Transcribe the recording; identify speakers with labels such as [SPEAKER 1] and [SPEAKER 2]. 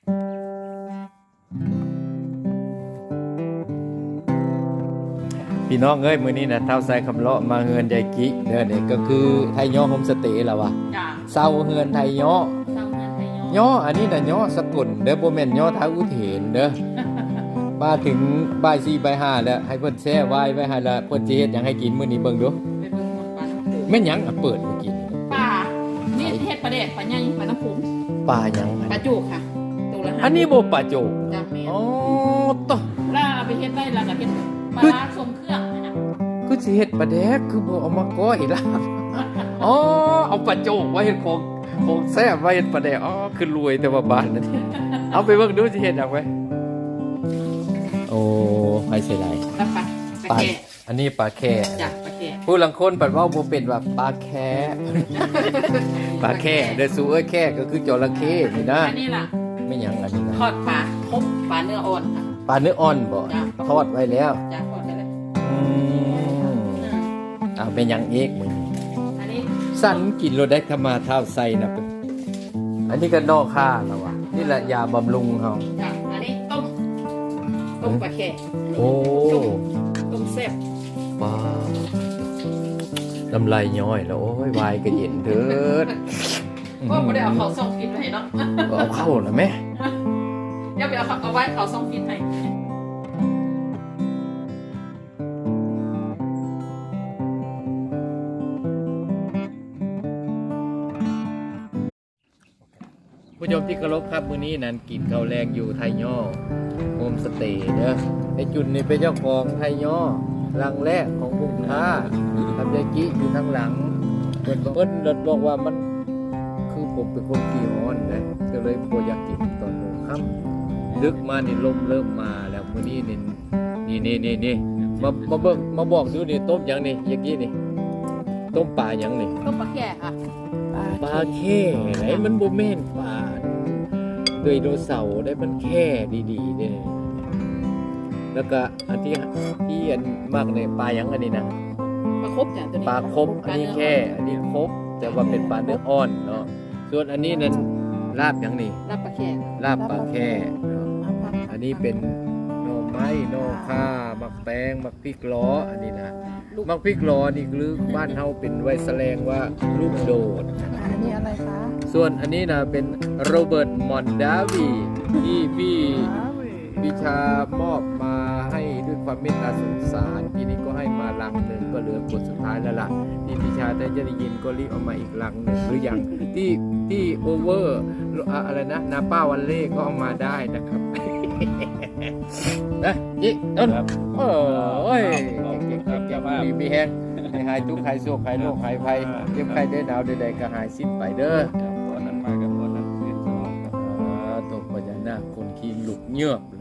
[SPEAKER 1] พี่น้องเอ้ยมื้อนี้นะเท่าใส่คำเลาะมาเฮือนยายกิเด้อนี่ก็คือไทยย่อโฮมสเตย์ล่ะวะ
[SPEAKER 2] จ้า
[SPEAKER 1] เซาเฮือนไทยย่อ
[SPEAKER 2] เศร้าเงินไทย
[SPEAKER 1] ย่ออันนี้น่ะย่อสกุลเด้อบ่แม่นย่อท้าอุเทนเด้อมาถึงบ่าย4บ่าย5แล้วให้เพิ่นแช่ไว้ไว้ให้ละเพิ่นสิเฮ็ดหยังให้กินมื้อนี้เบิ่งดู
[SPEAKER 2] ไปเบิ่งหมดปลาน้ำโขง
[SPEAKER 1] แม่นหยังอ่ะเปิดมากิน
[SPEAKER 2] ปลานี่เฮ็ดปลาแดดปลาใหญ่ปลาน้ำโขง
[SPEAKER 1] ปลาหยัง
[SPEAKER 2] ปลาจุกค่ะตัวละ5
[SPEAKER 1] อันนี้บ่ปลาโจก
[SPEAKER 2] จ้าแม่
[SPEAKER 1] อ๋อตอ
[SPEAKER 2] แล้วเอาไปเฮ็ดได้แล้วก็เฮ็ดปลาร้าทรงเครื่องนะ
[SPEAKER 1] คือสิเฮ็ดปลาแดกคือบ่เอามาก้อยลาบอ๋อเอาปลาโจกไว้เฮ็ดของแซ่บไว้เฮ็ดปลาแดกอ๋อคือรวยแต่ว่าบ้านนั่นเอาไปเบิ่งดูสิเฮ็ดหยังไว้โอ้ให้เสียดาย
[SPEAKER 2] แล้วปลา
[SPEAKER 1] ปลา
[SPEAKER 2] แค่
[SPEAKER 1] อันนี้ปลาแค่
[SPEAKER 2] จ้าปลาแค่
[SPEAKER 1] ผู้ลังคนปัดเว่าบ่เป็นว่าปลาแค่ ปลาแค่เด้อสู้เอ้ยแค่ก็คือจระเข้นี่นะ
[SPEAKER 2] อันนี้ล่ะ
[SPEAKER 1] ไม่หยังอันนี้นะ
[SPEAKER 2] ทอดปลาครบปลาเนื้ออ่อนค่ะ
[SPEAKER 1] ปลาเนื้ออ่อนบ่
[SPEAKER 2] จ้ะ
[SPEAKER 1] ทอดไว้แล้ว
[SPEAKER 2] จ้าทอดได้เลย
[SPEAKER 1] อืมเป็นหยังอีกมื้อนี้
[SPEAKER 2] อันนี้
[SPEAKER 1] สั่นกินโลได้ขมาเท้าใส่นะเพิ่นอันนี้ก็นอกค่าแล้วว่ะนี่แหละยาบำรุงเฮา
[SPEAKER 2] จ้าอันนี้ต้มปลาแค่
[SPEAKER 1] โอ้
[SPEAKER 2] ต้มแซ่บ
[SPEAKER 1] ปลาน้ำลายย้อยแล้วโอ้ยวายก็เย็นเถิด
[SPEAKER 2] ว่าไม่ได้เอาเขาส่งฟินให้เนาะ
[SPEAKER 1] เอาเข้าแล้วแม่
[SPEAKER 2] อย่าไปเอาไว้เขาส่งฟินให้
[SPEAKER 1] ผู้ชมที่เคารพครับมื้อนี้นั้นกินข้าวแรงอยู่ไทยย่อโฮมสเตย์เด้อไอ้จุนนี่เป็นเจ้าของไทยย่อหลังแรกของกรุงท่าทำยากิอยู่ทางหลังเพิ่นบอกว่ามันคือผมเป็นคนขี้ร้อนนะก็เลยบ่อยากกินตอนมื้อค่ำดึกมานี่ลมเริ่มมาแล้วมื้อนี้นี่มาเบิ่งมาบอกดูนี่ต้มหยังนี่ยากินี่ต้มปลาหยังนี่
[SPEAKER 2] ต้มปลาแค่ค่ะ
[SPEAKER 1] ปลาแค่ไหนมันบ่แม่นปลาโดยโดเสาร์ได้มันแค่ดีๆเนี่ยแล้วก็อันที่อันมากในปลาหยังอันนี้นะ
[SPEAKER 2] ปลาครบจ้ะตัวนี้
[SPEAKER 1] ปลาครบอันนี้แค่อันนี้ครบแต่ว่าเป็นปลาเนื้ออ่อนเนาะส่วนอันนี้นั้นลาบหยังนี่
[SPEAKER 2] รับปลาแค่
[SPEAKER 1] ลาบปลาแค่เนาะอันนี้เป็นหน่อไม้หน่อข่ามักแตงมักพริกล้ออันนี้นะมักพริกล้อนี่คือบ้านเฮาเป็นไว้แสดงว่าลูกโดด
[SPEAKER 3] อันนี้อะไรคะ
[SPEAKER 1] ส่วนอันนี้นะเป็นโรเบิร์ตมอนดาวีที่พี่ชามอบมาให้ด้วยความเมตตาสงสารทีนี้ก็ให้มาลังหนึ่งก็เหลือกดสุดท้ายแล้วล่ะที่พี่ชาได้จะได้ยินก็รีบเอามาอีกลังหนึ่งหรืออย่างที่โอเวอร์อะไรนะนาป้าวันเล่ก็เอามาได้นะครับ นะยี่ต้นโอ้ยเก่งมีแห้งหายทุกข์หายโศกหายโรคหายภัยเจ็บไข้ได้หนาวใดๆก็หายสิ้นไปเด้อ
[SPEAKER 4] ตัวนั้นมากับตัวนั้นเรียนสมองครับ
[SPEAKER 1] ตกพญานาคคนขี้หลุกเงือบ